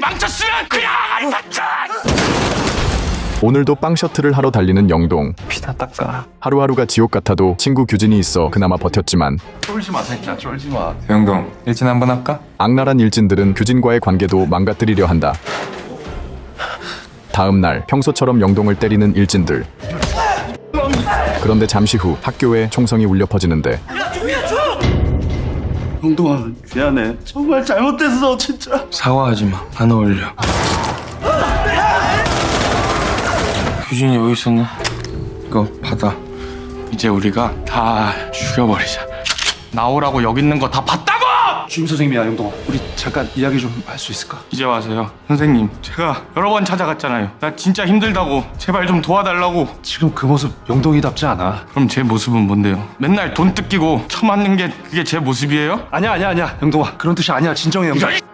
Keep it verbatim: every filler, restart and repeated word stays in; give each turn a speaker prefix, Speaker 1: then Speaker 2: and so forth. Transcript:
Speaker 1: 망쳤으면 그냥 안 샀지.
Speaker 2: 오늘도 빵 셔틀을 하러 달리는 영동.
Speaker 3: 피나 닦아.
Speaker 2: 하루하루가 지옥 같아도 친구 규진이 있어 그나마 버텼지만
Speaker 1: 쫄지 마 새끼야, 쫄지 마.
Speaker 3: 영동 일진 한번 할까?
Speaker 2: 악랄한 일진들은 규진과의 관계도 망가뜨리려 한다. 다음 날 평소처럼 영동을 때리는 일진들. 그런데 잠시 후 학교에 총성이 울려 퍼지는데
Speaker 4: 영동아 미안해. 정말 잘못했어 진짜.
Speaker 3: 사과하지 마. 안 어울려. 규진이 여기 있었네. 이거 받아. 이제 우리가 다 죽여버리자.
Speaker 1: 나오라고 여기 있는 거 다 봤다고!
Speaker 4: 주임 선생님이야 영동아. 우리 잠깐 이야기 좀 할 수 있을까?
Speaker 1: 이제 와서요. 선생님, 제가 여러 번 찾아갔잖아요. 나 진짜 힘들다고. 제발 좀 도와달라고.
Speaker 4: 지금 그 모습 영동이답지 않아.
Speaker 1: 그럼 제 모습은 뭔데요? 맨날 돈 뜯기고 처맞는 게 그게 제 모습이에요?
Speaker 4: 아니야 아니야 아니야 영동아. 그런 뜻이 아니야. 진정해 영동.
Speaker 1: 이런